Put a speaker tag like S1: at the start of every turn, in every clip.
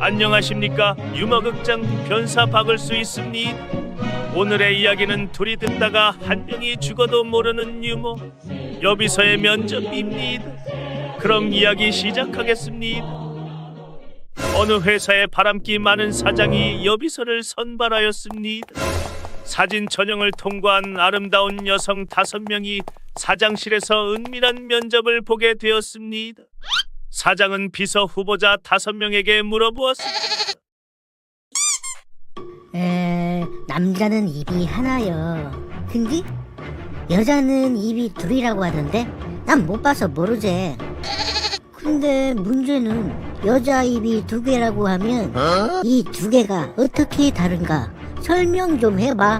S1: 안녕하십니까. 유머극장 변사 박을 수 있습니다. 오늘의 이야기는 둘이 듣다가 한 명이 죽어도 모르는 유머 여비서의 면접입니다. 그럼 이야기 시작하겠습니다. 어느 회사에 바람기 많은 사장이 여비서를 선발하였습니다. 사진 전형을 통과한 아름다운 여성 5명이 사장실에서 은밀한 면접을 보게 되었습니다. 사장은 비서 후보자 5명에게 물어보았습니다.
S2: 남자는 입이 하나요. 근데 여자는 입이 둘이라고 하던데 난 못 봐서 모르지. 근데 문제는 여자 입이 2개라고 하면 이 2개가 어떻게 다른가 설명 좀 해봐.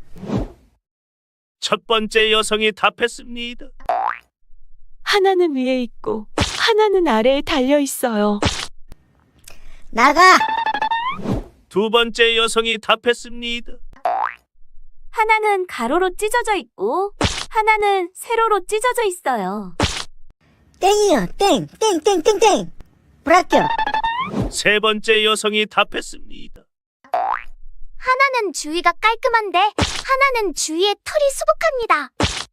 S1: 첫 번째 여성이 답했습니다.
S3: 하나는 위에 있고 하나는 아래에 달려 있어요.
S2: 나가!
S1: 두 번째 여성이 답했습니다.
S4: 하나는 가로로 찢어져 있고 하나는 세로로 찢어져 있어요.
S2: 땡이요. 땡! 땡! 불합격!
S1: 세 번째 여성이 답했습니다.
S4: 하나는 주위가 깔끔한데 하나는 주위에 털이 수북합니다.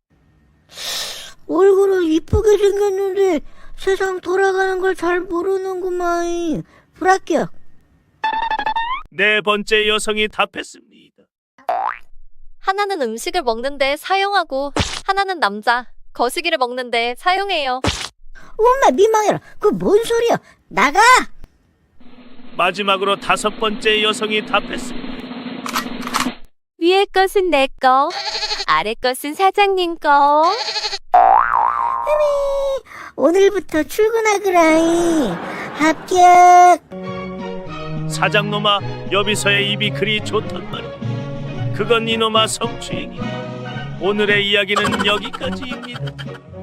S2: 얼굴은 이쁘게 생겼는데 세상 돌아가는 걸 잘 모르는구만. 불합격!
S1: 네 번째 여성이 답했습니다.
S5: 하나는 음식을 먹는데 사용하고 하나는 남자 거시기를 먹는데 사용해요.
S2: 엄마 민망해라. 그 뭔 소리야. 나가!
S1: 마지막으로 5번째 여성이 답했습니다.
S4: 위에 것은 내 거, 아래 것은 사장님 거.
S2: 오늘부터 출근하거라이. 합격!
S1: 사장놈아, 여비서의 입이 그리 좋단 말이야. 그건 이놈아 성추행이야. 오늘의 이야기는 여기까지입니다.